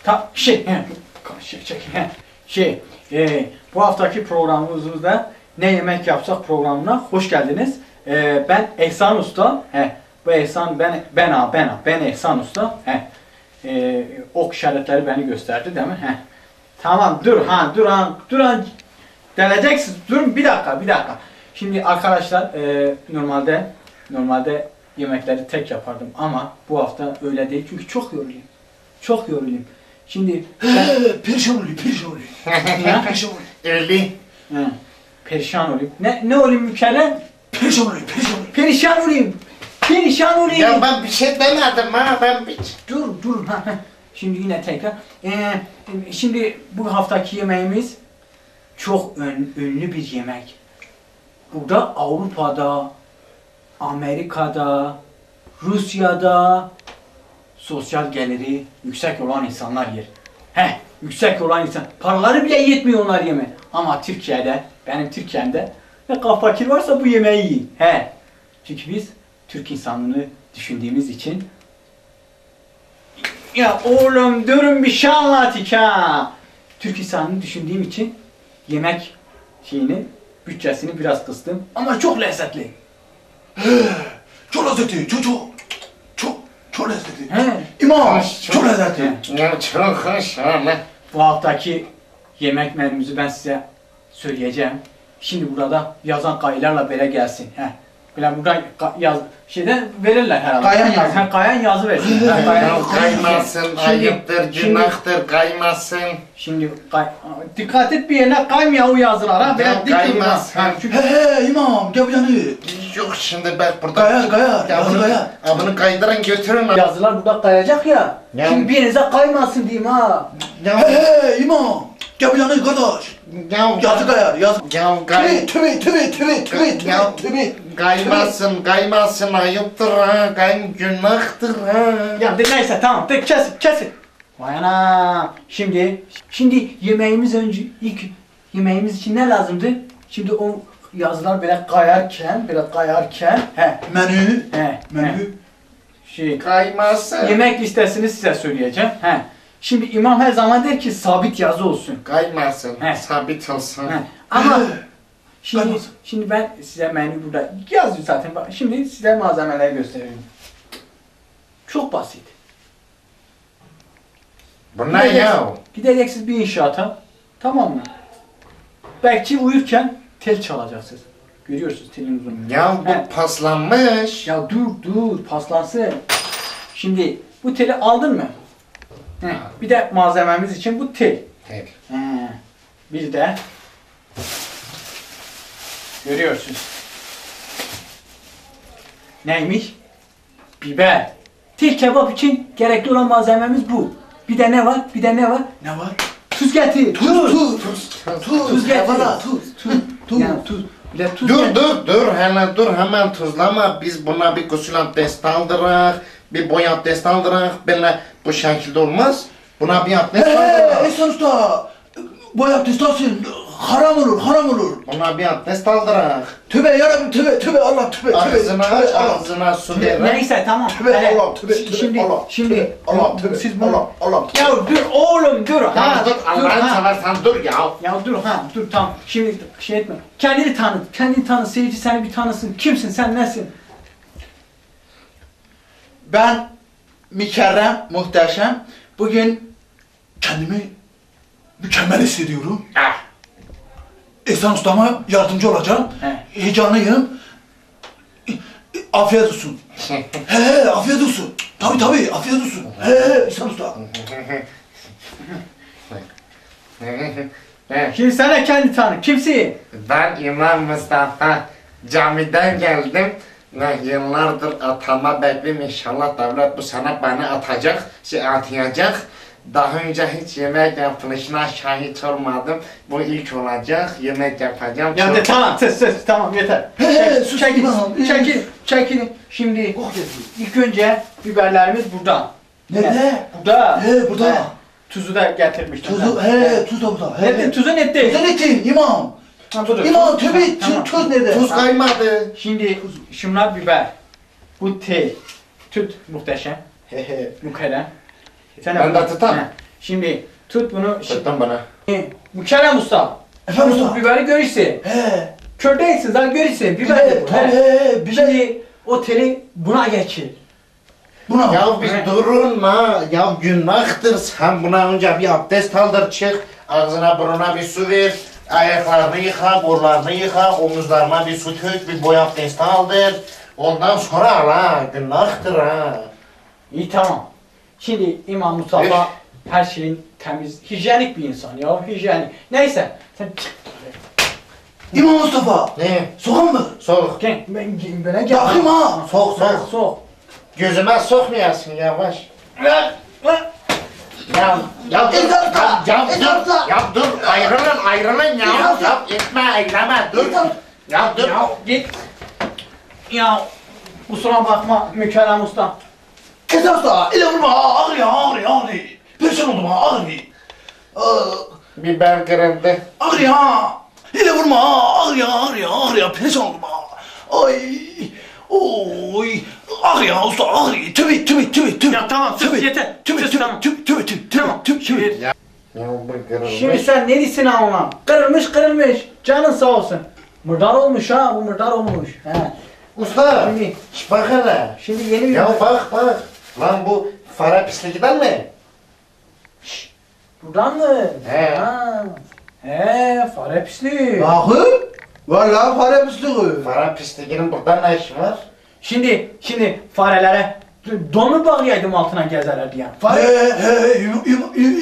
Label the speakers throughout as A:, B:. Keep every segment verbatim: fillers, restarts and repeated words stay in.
A: Ta şey, şey, şey, şey e, bu haftaki programımızda ne yemek yapsak programına hoş geldiniz. E, ben Ehsan Usta. He, bu Ehsan ben ben ha ben ha ben Ehsan Usta. He, e, ok işaretleri beni gösterdi değil mi? He. Tamam dur ha dur ha dur ha. Deleceksiniz. Durun bir dakika bir dakika. Şimdi arkadaşlar e, normalde normalde yemekleri tek yapardım ama bu hafta öyle değil çünkü çok yoruluyum. Çok yoruluyum. Şimdi
B: ben... perişan olayım, perişan olayım. Perişan olayım.
C: Öyle.
A: He, perişan olayım. Ne ne olayım Mükellem?
B: Perişan olayım, perişan olayım.
A: Perişan olayım. Perişan olayım.
C: Ya ben bir şey demedim ha ben bir...
A: Dur dur ha. Şimdi yine tekrar. Ee, şimdi bu haftaki yemeğimiz çok ön, ünlü bir yemek. Burada Avrupa'da, Amerika'da, Rusya'da sosyal geliri yüksek olan insanlar yer. He, yüksek olan insan. Paraları bile yetmiyor onlar yeme. Ama Türkiye'de, benim Türkiye'mde ne kadar fakir varsa bu yemeği yiyin. He. Çünkü biz Türk insanlığını düşündüğümüz için. Ya oğlum durun bir şey anlatık ha. Türk insanlığını düşündüğüm için yemek şeyini, bütçesini biraz kıstım. Ama çok lezzetli.
B: He, çok lezzetli, çok çok çok çok lezzetli.
A: He.
B: İmam,
C: Çok-
B: çok lezzetli.
C: Ya çok hoş ama...
A: Bu haftaki yemek menümüzü ben size söyleyeceğim. Şimdi burada yazan kayılarla böyle gelsin. He. Böyle burada yaz şeyden verirler herhalde.
B: Kayan yazı.
A: Ha, kayan yazı versin. Ha, kayan-
C: Ya kaymasın,
A: Şimdi-
C: ayıptır,
A: şimdi-
C: günahtır, kaymasın.
A: Şimdi kay, dikkat et bir yerine kaymıyor o yazılara.
C: Ya
A: Böyle dik durma.
C: kaymaz.
A: Ha, çünkü
B: He he imam, gel bu yanı.
C: Yok şimdi bak burada...
B: Kayar, kayar,
C: Ya
B: yazı
C: bunu,
B: kayar.
C: ya bunu kaydırın götürün.
A: yazılar burada kayacak ya.
C: Ya-
A: Şimdi bir yerinize kaymasın diyeyim ha.
C: Ya,
B: He he imam, gel bu yanı kardeş.
C: ya,
B: Yazı kayar, yazı.
C: Ya kay...
B: Tübe, tübe, tübe, tübe, tübe,
C: Ya
B: tübe.
C: kaymasın, kaymasın, ayıptır ha, kay günahtır ha.
A: Ya de neyse tamam de kesin kesin. Vay ana. Şimdi şimdi yemeğimiz önce ilk yemeğimiz için ne lazımdı? Şimdi o yazılar böyle kayarken böyle kayarken he
B: Menü,
A: he he
B: menü.
A: şey
C: Kaymasın.
A: yemek listesini size söyleyeceğim. He. Şimdi imam her zaman der ki sabit yazı olsun.
C: Kaymasın,
A: He.
C: sabit olsun.
A: He. Ama
B: He.
A: şimdi
B: Kaymasın.
A: şimdi ben size menü burada yazıyor zaten. Bak, şimdi size malzemeleri göstereyim. Çok basit.
C: Bu ne ya?
A: Gideceksiniz bir inşaata. Tamam mı? Belki uyurken tel çalacaksınız. Görüyorsunuz telin uzunluğunu.
C: Ya
A: He.
C: bu paslanmış.
A: Ya dur dur paslansın. Şimdi bu teli aldın mı? He. Bir de malzememiz için bu tel.
C: He.
A: He. Bir de görüyorsunuz. Neymiş? Biber. Tel kebap için gerekli olan malzememiz bu. Bir de ne var? Bir de ne var?
B: Ne var?
A: Tuz getir.
B: Tuz, tuz,
C: Tuz, tuz.
B: tuz,
A: Tuz getir.
B: Valla, tuz,
A: Tuz.
B: tuz.
A: Yani tuz. Bir de tuz
C: Dur
A: getir.
C: dur dur hele dur hemen tuzlama. Biz buna bir gusül abdest aldıraq, bir boy abdest aldıraq. Böyle bu şekilde olmaz. Buna bir abdest
B: He,
C: aldıraq.
B: Ehsan Usta, bu abdest alsın, haram olur, haram olur.
C: Buna bir abdest aldıraq.
B: Tübe yarabbim, tübe, tübe, Allah, tübe, tübe,
C: Ağzına aç,
B: tübe, Allah.
C: ağzına su ver.
A: Neyse tamam.
B: Tübe,
A: Hele,
B: Allah, tübe, tübe,
A: Şimdi
B: Allah,
A: şimdi
B: tübe, Allah, tübe,
A: siz bunu
B: Allah, Allah, tübe.
A: Ya dur oğlum dur.
C: Ya
A: Ha,
C: dur
A: dur
C: Allah'ını
A: ha.
C: seversen dur ya.
A: Ya dur ha dur tamam. Şimdi şey etme. Kendini tanıt. Kendini tanıt. Seyirci seni bir tanısın. Kimsin sen nesin?
B: Ben mükerrem, muhteşem. Bugün kendimi mükemmel hissediyorum.
C: Ah.
B: Ehsan Usta'ma yardımcı olacağım.
A: He.
B: Heyecanlıyım. Afiyet olsun. He he, afiyet olsun. Tabii tabii, afiyet olsun. He he, Ehsan Usta.
A: Şimdi sen de kendi tanı. Kimsin?
C: Ben İmam Mustafa. Camiden geldim. Ve yıllardır atama bekliyorum. İnşallah devlet bu sene bana atacak, şey atayacak. Daha önce hiç yemek yapılışına şahit olmadım. Bu ilk olacak. Yemek yapacağım.
A: Ya
C: Çok-
A: de tamam sus sus tamam yeter.
B: He, he, sus,
A: çekil,
B: tamam.
A: çekil, çekil. Şimdi
B: Oh, yeter.
A: ilk önce biberlerimiz burada.
B: Nerede?
A: Burada.
B: He, burada.
A: He. Tuzu da getirmiştim.
B: Tuzu,
A: ben.
B: he, tuz da burada. He,
A: Nerede?
B: he.
A: Tuzun etti.
B: Tuzun etin, imam.
A: Ha, budur.
B: İmam, tübe,
A: Tamam.
B: tuz, tuz nerede?
C: Tuz kaymadı.
A: Şimdi şunlar biber. Bu tel. Tut muhteşem.
B: He he.
A: Mukerrem. Sen
C: Ben de tutam.
A: He. Şimdi tut bunu.
C: Tuttum bana.
A: Şimdi, Mükerrem Usta.
B: Efendim
A: Bu
B: usta?
A: biberi görürse.
B: He.
A: Kör değilsiniz ha görürse. Biber de bu.
B: Tabii
A: he.
B: he. Biber.
A: Şimdi o teli buna geçir.
B: Buna.
C: Ya bir
A: Evet.
C: durun ha. Ya günahtır. Sen buna önce bir abdest aldır çık. Ağzına burnuna bir su ver. Ayaklarını yıka, kollarını yıka, omuzlarına bir su dök, bir boy abdesti aldır. Ondan sonra al ha. Günahtır ha.
A: İyi tamam. Şimdi İmam Mustafa her şeyin temiz, hijyenik bir insan ya, hijyenik. Neyse, sen çık.
B: İmam Mustafa.
C: Ne?
B: Soğan mı?
C: Sok.
A: Gel, ben bana gel.
B: Bakayım ha.
C: Sok
A: Sok,
C: sok.
A: sok.
C: Gözüme sokmayasın yavaş.
A: Lan, lan.
C: Ya, ya dur,
B: İzatla,
C: ya, ya dur,
B: izatla.
C: ya dur, ayrılın, ayrılın ya,
B: İzatla.
C: ya etme, eyleme, dur, ya dur.
A: Ya git. Ya kusura bakma Mükerrem Usta.
B: Esas da ile vurma ha. Ağrıyor ağrıyor ağrıyor. Perişan oldum ha ağrıyor. Aa,
C: Biber kırıldı.
B: ağrıyor ha. İle vurma ha. Ağrıyor ağrıyor ağrıyor. Perişan oldum ha. Ay. Oy. Ağrıyor usta ağrıyor. Tübe tübe tübe tübe.
A: Ya tamam, sus,
B: Tübe,
A: yeter.
B: Tübe
A: Sus,
B: tübe
A: tamam.
B: tübe tübe tübe tübe
A: Tamam,
B: tübe tübe.
A: şimdi,
C: Ya, ya bu kırılmış.
A: şimdi sen ne diyorsun ha ona? Kırılmış kırılmış. Canın sağ olsun. Mırdar olmuş ha, bu mırdar olmuş. He.
C: Usta,
A: Şimdi-
C: şş bak hele.
A: Şimdi yeni bir...
C: Ya bak bak, lan bu fare pisliğinden mi?
A: Buradan mı?
C: He.
A: Ha. He, fare pisliği.
B: Bakın. Valla fare pisliği.
C: Fare pisliğinin burada ne işi var?
A: Şimdi, şimdi farelere donu bağlayaydım altına gezerler diye. Fare...
B: He he. yum- yum- yum-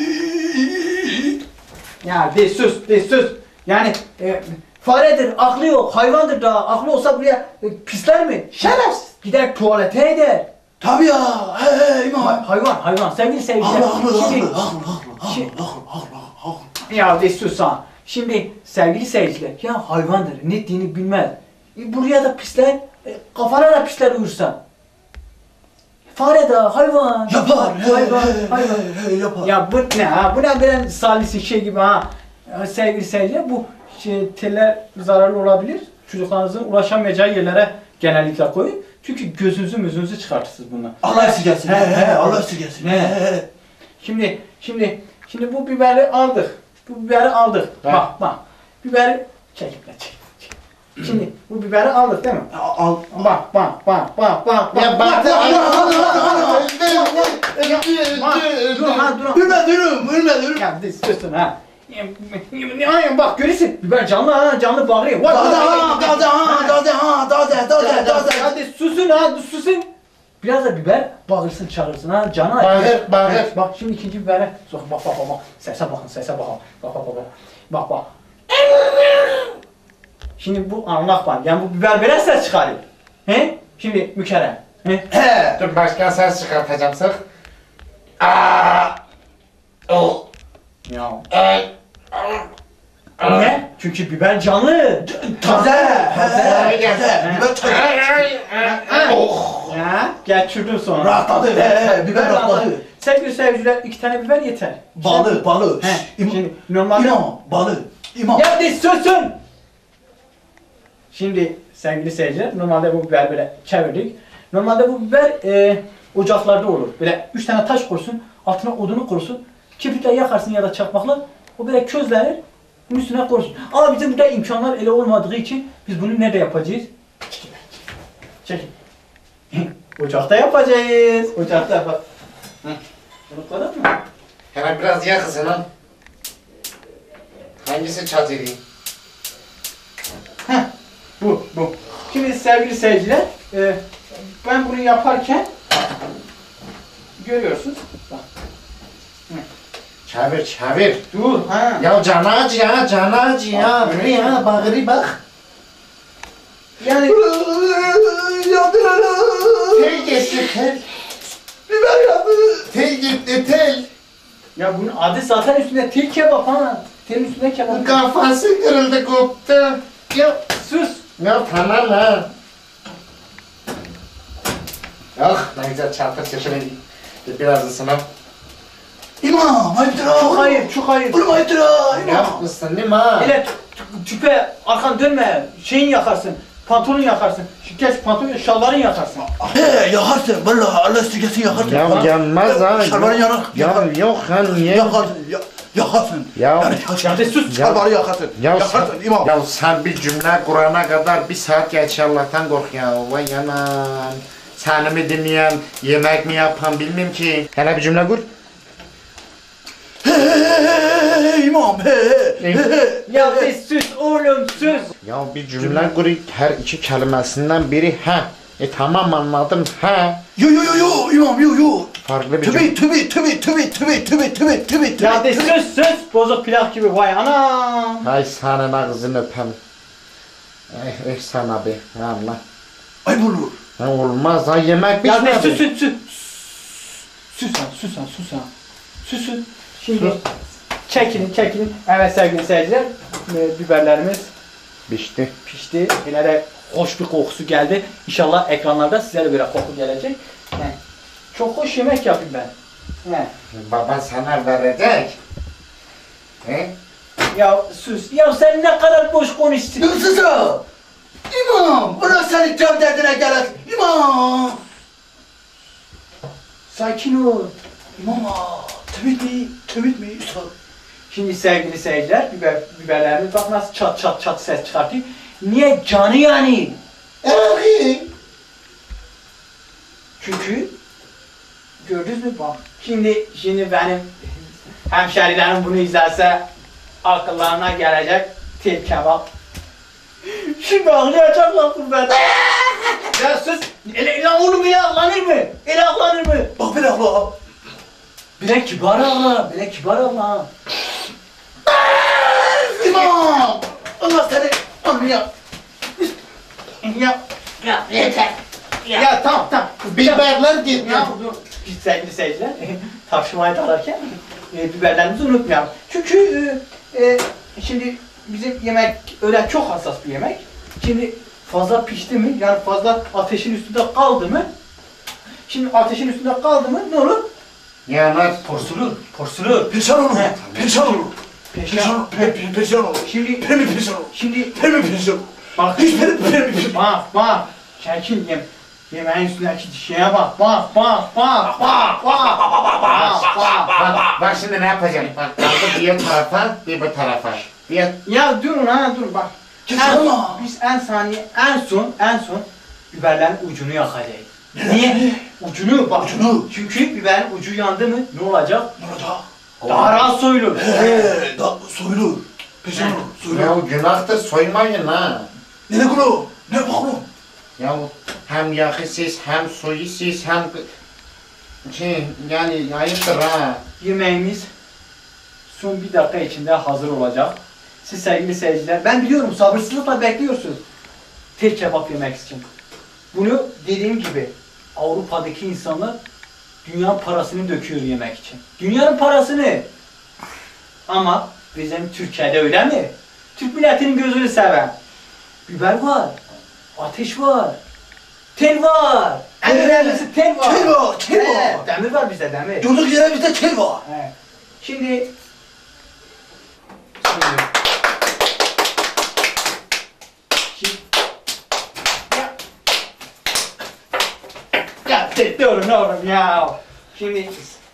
A: Ya de sus, de sus. Yani e, faredir, aklı yok, hayvandır da aklı olsa buraya e, pisler mi? Şerefsiz. Gider tuvalete eder.
B: Tabii ya. He he imam.
A: Ha- hayvan, hayvan, sevgili seyirciler.
B: Haklı haklı haklı
A: Şimdi,
B: haklı haklı
A: Şimdi-
B: haklı haklı haklı.
A: ya de sus ha. Şimdi sevgili seyirciler, ya hayvandır, ne ettiğini bilmez. E, buraya da pisler, e, kafana da pisler uyursa. Fare de hayvan.
B: Yapar. He
A: Hayvan,
B: he
A: hayvan.
B: he he yapar.
A: Ya bu ne ha? Bu ne böyle salisi şey gibi ha? Ya sevgili seyirciler, bu şey, teller zararlı olabilir. Çocuklarınızın ulaşamayacağı yerlere genellikle koyun. Çünkü gözünüzü müzünüzü çıkartırsınız bunlar.
B: Allah esirgesin. He he Allah esirgesin.
A: He.
B: He he.
A: Şimdi, şimdi, şimdi bu biberi aldık. Bu biberi aldık.
C: He.
A: Bak, bak. Biberi çekip de çek. çek. Şimdi bu biberi aldık değil mi?
B: Al.
A: Bak, bak, bak, bak, bak.
C: Ya bak,
A: bak, bak, bak, bak. Bak, dur ha, dur ha.
B: Ürme dürüm, ürme dürüm.
A: Ya diyorsun ha. Ya bak görürsün. Biber canlı ha, canlı bağırıyor. Vay,
B: Dade
A: vay,
B: ha,
A: vay.
B: dade ha, dade ha, dade, dade, dade.
A: Hadi susun ha, susun. Biraz da biber bağırsın, çağırsın ha, canı acıyor.
C: Bağır, bağır.
A: Evet, bak şimdi ikinci bibere sok. Bak bak bak bak. Sese bakın, sese bakın. Bak bak bak bak. Bak bak. Şimdi bu anlak var. Yani bu biber böyle ses çıkarıyor. He? Şimdi Mükerrem. He?
B: He.
C: Dur başka ses çıkartacağım sık. Aa. O.
A: Ya.
C: Ay.
A: Ne? Çünkü biber canlı.
B: Taze, he,
C: Taze.
B: taze. Biber taze.
C: Ay, ay, ay. Oh.
A: Ya geçirdin sonra.
B: Rahatladı, he, he, biber rahatladı.
A: Sevgili seyirciler, iki tane biber yeter.
B: Balı, balı.
A: He,
B: İmam,
A: şimdi normalde...
B: İmam, balı. İmam.
A: Ya de susun! Şimdi sevgili seyirciler, normalde bu biber böyle çevirdik. Normalde bu biber e, ocaklarda olur. Böyle üç tane taş koysun, altına odunu koysun. Kibritle yakarsın ya da çakmakla. O böyle közlenir, bunun üstüne koysun. Ama bizim burada imkanlar ele olmadığı için biz bunu nerede yapacağız? Çekin. Ocakta yapacağız. Ocakta yapacağız. Bunu koydun mu?
C: Hemen biraz yakısın lan. Hangisi çatırı?
A: Heh, bu, bu. Şimdi sevgili seyirciler, e, ben bunu yaparken görüyorsunuz. Bak.
C: Çevir çevir.
A: Dur, ha.
C: Ya canı acı ya, canı acı ya. Böyle ya, bağırı bak.
A: Yani
B: Yandı.
C: Tel gitti tel.
B: Biber yandı.
C: Tel gitti tel.
A: ya bunun adı zaten üstünde tel kebap ha. Telin üstünde kebap.
C: Kafası kırıldı koptu. Ya,
A: Sus.
C: ya tamam ha. Ah ne güzel çarpı sesini. Biraz ısınım.
B: İmam, ayıptır ha.
A: Çok hayır, çok hayır.
B: Oğlum ayıptır ha.
C: Ya
B: İmam.
C: ısındım ha.
A: Hele tü- tüpe arkan dönme, şeyini yakarsın. pantolon yakarsın. Şu geç pantolon, şalvarın yakarsın.
B: He yakarsın vallahi Allah sügesin yakarsın.
C: Ya yanmaz ha.
B: Şalvarı yanar.
C: Ya yok ha niye?
B: Yakarsın. Ya, yakarsın.
C: Ya-
B: yani,
A: Ya de sus.
B: Şalvarı yakarsın.
C: Ya
B: Yakarsın
C: sen,
B: imam.
C: ya sen bir cümle kurana kadar bir saat geç Allah'tan kork ya. Vay yanam. Seni mi dinleyen, yemek mi yapan bilmem ki. Hele bir cümle kur.
B: He he he he imam he he he he.
A: Ya de sus oğlum sus.
C: Ya bir cümle kur, her iki kelimesinden biri he. E tamam anladım he.
B: Yo yo yo yo imam yo yo.
C: Farklı bir cümle.
B: Tübi tübi tübi tübi tübi tübi tübi tübi
A: Ya de
B: tübi.
A: sus sus. Bozuk plak gibi vay anam.
C: Ay senin ağzını öpem. Eh, eh sana be. Allah.
B: Ay bulur.
C: Ha, olmaz ha yemek
A: Ya de sus
C: bitmedi.
A: sus sus. Sus sen sus sen sus sen. Susun. Şimdi
C: Sus.
A: çekilin çekilin. Evet sevgili seyirciler. e, Biberlerimiz
C: Pişti.
A: pişti. Yine de hoş bir kokusu geldi. İnşallah ekranlarda size de böyle koku gelecek. He. Çok hoş yemek yapayım ben. He.
C: Baba sana verecek. He?
A: Ya sus. Ya sen ne kadar boş konuştun.
B: Yusuf. İmam. Bırak seni can derdine gelir. İmam.
A: Sakin ol.
B: İmam. Tübit mi? Tübit mi Yusuf?
A: Şimdi sevgili seyirciler, biber, biberlerimiz bak nasıl çat çat çat ses çıkartıyor. Niye? Canı yani.
B: Abi.
A: Çünkü gördünüz mü bak. Şimdi şimdi benim hemşerilerim bunu izlerse akıllarına gelecek tel kebap. Şimdi ağlayacaklar burada. Ya sus. Ele, ele oğlum ele ağlanır mı? Ele ağlanır mı?
B: Bak bir abla.
A: Bile kibar ağla. Bile kibar ağla.
B: İmam. Allah seni anlıyor.
A: Ya ya yeter. Ya, ya tamam tamam.
C: Biberler gitti.
A: Ya dur. Biz sevgili seyirciler tartışmayı dalarken e, biberlerimizi unutmayalım. Çünkü e, e, şimdi bizim yemek öyle çok hassas bir yemek. Şimdi fazla pişti mi yani fazla ateşin üstünde kaldı mı? Şimdi ateşin üstünde kaldı mı ne olur?
C: Yanar.
A: Porsulur. Porsulur.
B: Perişan olur.
A: He.
B: Perişan olur.
A: Peşin.
B: Perişan, pe, pe, perişan olur.
A: Şimdi
B: Pemi perişan olur.
A: şimdi
B: Pemi perişan olur.
A: bak
B: Hiç pemi pemi perişan.
A: bak bak çekil yem. Yemeğin üstündeki şeye bak bak bak bak bak bak bak bak.
C: Bak, bak şimdi ne yapacağım? Bak kaldı bir tarafa, bir bu tarafa. Bir
A: Ya durun ha dur bak. En,
B: Çıksana.
A: biz en saniye en son en son biberlerin ucunu yakacağız. Niye? Ucunu bak.
B: Ucunu.
A: Çünkü biberin ucu yandı mı ne olacak?
B: Ne olacak?
A: Daha rahat soyulur.
B: He, da soyulur. Perişan olur. Soyulur.
C: ya günahtır soymayın ha.
B: Ne ne kulu? Ne bakalım?
C: Ya hem yağı siz, hem suyu siz, hem şey yani ayıptır ha.
A: Yemeğimiz son bir dakika içinde hazır olacak. Siz sevgili seyirciler, ben biliyorum sabırsızlıkla bekliyorsunuz tel kebap yemek için. Bunu dediğim gibi Avrupa'daki insanlar dünya parasını döküyor yemek için. Dünyanın parasını. Ama bizim Türkiye'de öyle mi? Türk milletinin gözünü seven. Biber var, ateş var, tel var. En önemlisi tel var.
B: Tel var, tel var.
A: Evet, demir var bizde demir.
B: Durduk yere bizde tel var.
A: Evet. Şimdi Şimdi Şimdi Ya Ya tek oğlum oğlum ya. Şimdi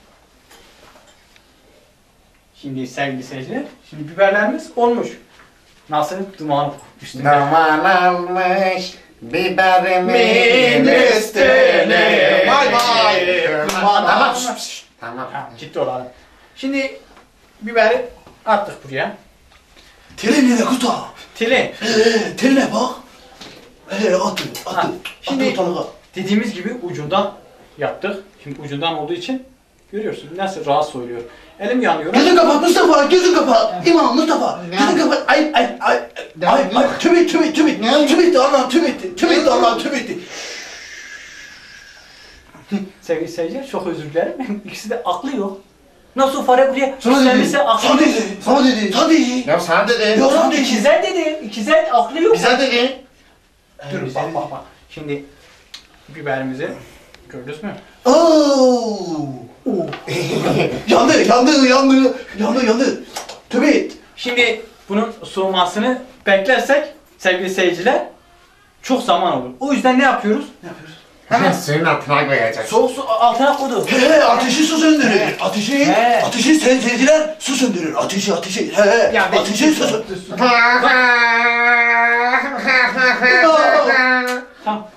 A: Şimdi sevgili seyirciler, şimdi biberlerimiz olmuş. Nasıl duman üstünde?
C: Duman almış biberimin
A: üstüne.
C: Vay vay.
A: Duman
C: Tamam.
A: almış.
C: şşt, şşt, Tamam.
A: Ha, ciddi olalım. Şimdi biberi attık buraya.
B: Teli ne kutu?
A: Tili.
B: Eee teline bak. Eee attı,
A: Ha,
B: attı.
A: şimdi-
B: Attı ortalığa.
A: Dediğimiz gibi ucundan yaptık. Şimdi ucundan olduğu için görüyorsun nasıl rahat soyuluyor. Elim yanıyor.
B: Gözün kapat Mustafa, gözün kapat. İmam Mustafa,
C: Ne?
B: gözün kapat. Ay ay ay.
C: Ne?
B: Ay ay tübit tübit tübit.
C: Ne?
B: Tübit Allah tübit. Tübit Allah tübit.
A: Sevgili seyirciler çok özür dilerim. İkisi de aklı yok. Nasıl fare buraya
B: Sana dedi.
A: istemese aklı
B: Sana
A: yok.
B: dedi. Sana dedi. Sana dedi.
C: Ya sen dedin.
B: Yok.
A: Tamam, İkizer dedi. İkizer aklı yok.
C: Bize dedin.
A: Dur
B: bize
A: bak
B: dedi.
A: bak bak. Şimdi biberimizi gördünüz mü?
B: Oo. yandı, yandı, yandı, yandı, yandı. Tübit.
A: Şimdi bunun soğumasını beklersek sevgili seyirciler çok zaman olur. O yüzden ne yapıyoruz?
B: Ne yapıyoruz?
C: Hemen suyun altına koyacak.
A: Soğuk su altına koydu.
B: He he ateşi su söndürür. Ateşi,
A: He.
B: ateşi sayın seyirciler su söndürür. Ateşi, ateşi. He he.
A: Ya be-
B: Ateşi su söndürür.
A: Tamam.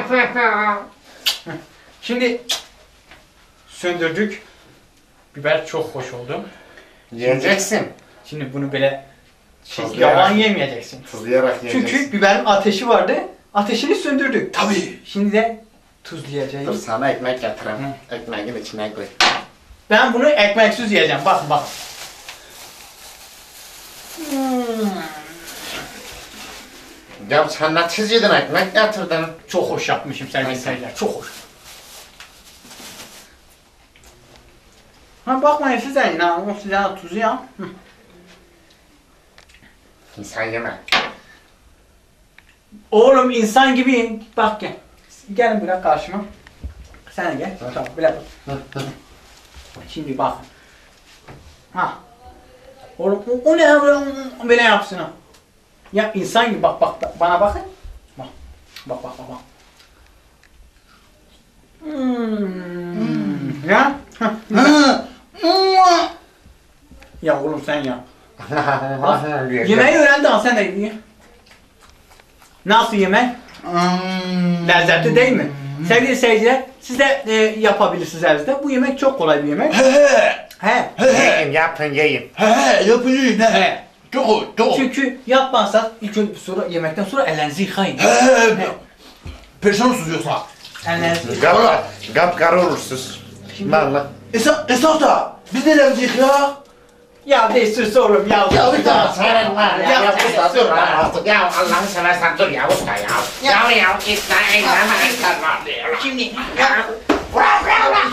A: Şimdi söndürdük. Biber çok hoş oldu.
C: Yiyeceksin.
A: Şimdi bunu böyle şey,
C: Tuzlayarak.
A: yavan yemeyeceksin.
C: Tuzlayarak yiyeceksin.
A: Çünkü biberin ateşi vardı. Ateşini söndürdük.
B: Tabii.
A: Şimdi de
C: Dur
A: tuzlayacağız.
C: sana ekmek getireyim. Ekmeğin içine koy.
A: Ben bunu ekmeksiz yiyeceğim. Bak bak. Hmm.
C: Ya sen ne çiz yedin ekmek getirdin.
A: Çok hoş yapmışım sevgili seyirciler. Çok hoş. Ha bakmayın size inan. O size tuzu ya. Hı.
C: İnsan yeme.
A: Oğlum insan gibiyim. Bak gel. Gelin buraya karşıma. Sen de gel. Tamam böyle bak. Şimdi bak. Ha. Oğlum o, o ne ya böyle, böyle yapsın ha. Ya insan gibi bak bak bana bakın. Bak. Bak bak bak bak. Hmm. Ya.
B: Hı. Mua.
A: Ya oğlum sen ya. Bak. Yemeği öğrendi ha sen de ye. Nasıl yemek?
B: Hmm.
A: Lezzetli değil mi? Sevgili seyirciler, siz de e, yapabilirsiniz evinizde. Bu yemek çok kolay bir yemek.
B: He he.
A: He.
B: He he.
C: Yiyin yapın yiyin.
B: He he. Yapıcı ne?
A: He.
B: Çok o, çok o.
A: Çünkü yapmazsanız ilk önce sonra yemekten sonra ellerinizi yıkayın.
B: He he. Perişan olsunuz yoksa.
A: Ellerinizi yıkayın.
C: Gap, gap karı olursunuz. Valla.
B: Esas, esas da biz nelerimizi ya?
A: Ya değiştirse oğlum ya.
B: Ya bir daha.
C: Sen var ya, ya usta dur lan artık. Ya Allah'ını seversen dur ya usta ya. Ya ya gitme eyleme eyleme var diyor.
A: Şimdi
C: Ya bırak bırak bırak.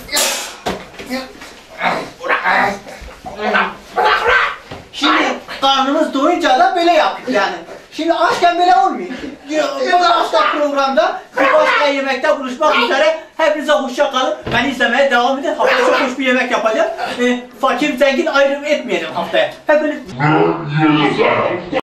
C: Bırak. Bırak bırak bırak.
A: Şimdi karnımız doyunca da böyle yaptık yani. Şimdi açken böyle olmuyor. Bir başka programda bir başka yemekte buluşmak üzere. Hepinize hoşça kalın. Beni izlemeye devam edin. Haftaya çok hoş bir yemek yapacağım. Ee, fakir zengin ayrım etmeyelim haftaya. Hepiniz...